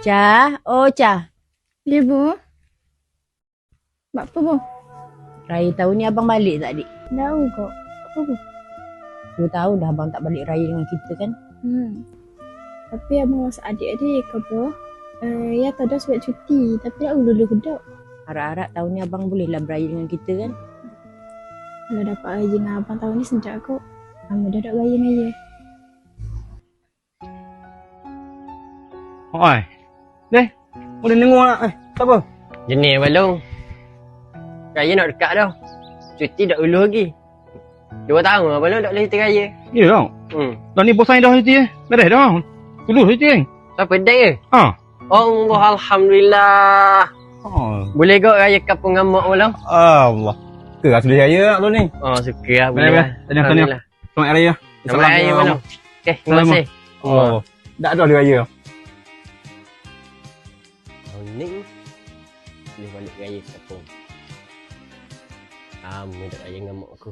Cah, oh Cah. Ya, Bu. Buat apa, Bu? Raya tahun ni abang balik tak, adik? Tahu kok. Apa, Bu? 2 tahun dah abang tak balik raya dengan kita kan? Tapi abang rasa adik-adik ke, Bu? Ya, tak ada sebab cuti. Tapi tak dulu kedok. Harap-harap tahun ni abang bolehlah beraya dengan kita kan? Kalau dapat raya dengan abang tahun ni sedap kok. Abang dah tak raya dengan dia. Oi. Deh, boleh dengar nak? Siapa? Jenis balong. Raya nak dekat dah. Cuti dah ulu lagi. 2 tahun lah balong tak boleh cuti raya. Ya tau. Dah ni bosan dah cuti Beres dah. Dulu cuti Siapa dah ke? Ha. Allah, Alhamdulillah. Oh. Boleh kau raya kapung dengan mak balong? Allah. Ke rasa dia raya tak lu ni? Oh, suka lah. Boleh Boleh. lah. Tahniah. Alhamdulillah. Selamat raya. Selamat raya balong. Okay, terima kasih. Oh. Tak ada dia raya. Tahun ni boleh balik raya kapung. Lama tak raya dengan mak aku.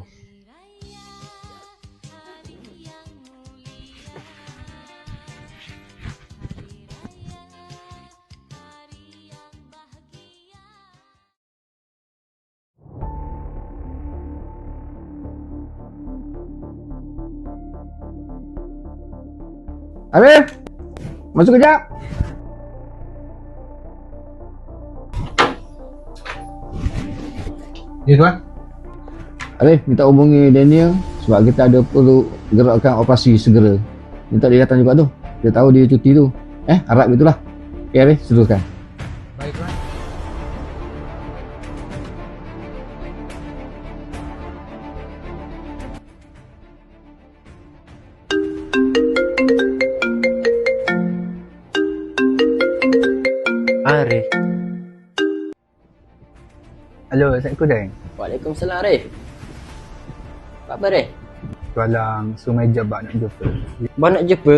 Arif, masuk kejap. Ya tuan. Arif, minta hubungi Daniel sebab kita ada perlu gerakkan operasi segera. Minta dia datang juga tu. Dia tahu dia cuti tu. Harap gitulah. Okay Arif, seteruskan. Baik tuan. Arif. Halo, Assalamualaikum Dan. Waalaikumsalam Arif. Apa khabar Arif? Tualang Sumeja bak nak jumpa. Abang nak jumpa?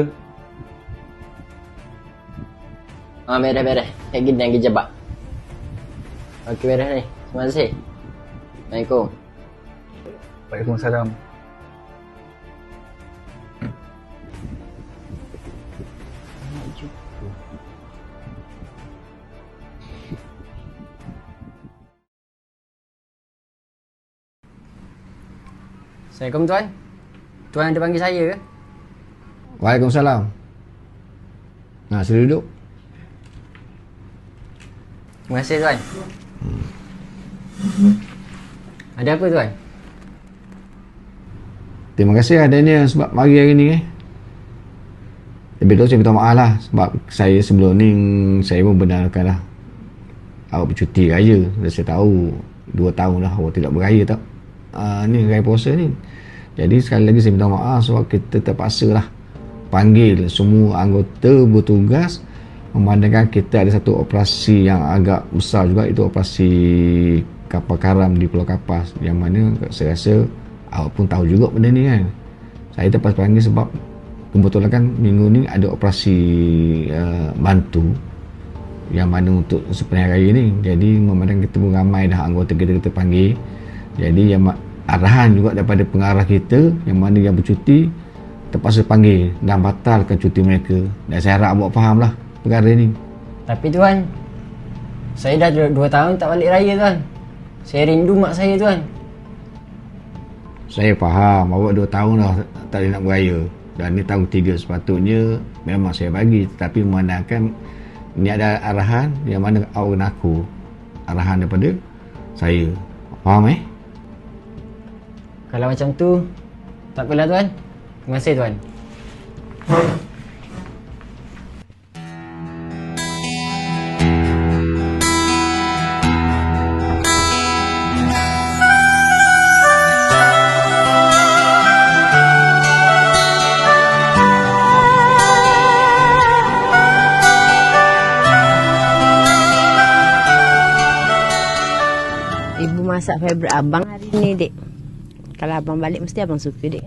Beres. Kayak gini yang kerja bak. Okey, beres ni. Terima kasih. Assalamualaikum. Waalaikumsalam. Nak jumpa. Assalamualaikum tuan. Tuan ada panggil saya ke? Waalaikumsalam. Sila duduk. Terima kasih tuan. Ada apa tuan? Terima kasih lah Daniel sebab mari hari ni. Lebih tu saya minta maaf lah sebab saya sebelum ni saya pun benarkan lah awak bercuti raya. Dan saya tahu 2 tahun dah awak tidak beraya tak. Ni raya puasa ni. Jadi sekali lagi saya minta maaf sebab kita terpaksa lah panggil semua anggota bertugas memandangkan kita ada satu operasi yang agak besar juga, itu operasi kapal karam di Pulau Kapas, yang mana saya rasa awak pun tahu juga benda ni kan. Saya terpaksa panggil sebab kebetulan kan minggu ni ada operasi bantu yang mana untuk sepenuh raya ni. Jadi memandang kita pun ramai dah anggota kita panggil, jadi yang arahan juga daripada pengarah kita yang mana yang bercuti terpaksa panggil dan batalkan cuti mereka. Dan saya harap awak faham lah perkara ni. Tapi tuan, saya dah 2 tahun tak balik raya tuan. Saya rindu mak saya tuan. Saya faham awak 2 tahun dah tak boleh nak beraya. Dan ni tahun 3 sepatutnya memang saya bagi. Tetapi memandangkan ni ada arahan yang mana awak kena aku. Arahan daripada saya. Faham Kalau macam tu, tak apalah tuan. Terima kasih tuan. Ibu masak favourite abang hari ni, dek. Kalau abang balik mesti abang suka, dek.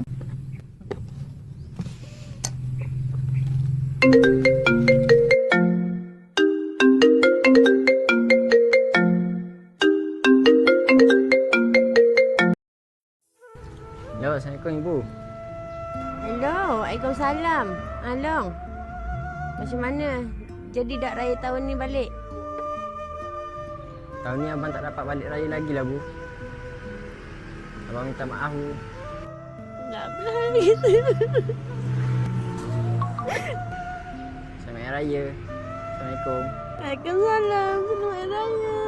Hello, Assalamualaikum Ibu. Hello, Waalaikumsalam. Along. Macam mana? Jadi dak raya tahun ni balik? Tahun ni abang tak dapat balik raya lagi lah, Bu. Abang minta maaf, Bu. Tak berani. Selamat Hari Raya. Assalamualaikum. Waalaikumsalam. Selamat raya.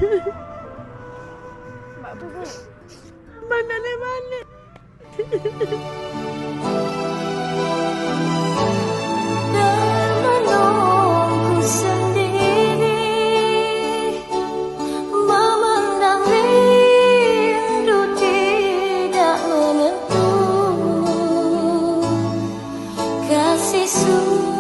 Buat apa, Bu? Abang tak boleh balik. Termenungku sendiri, memandang rindu tidak menentu, kasih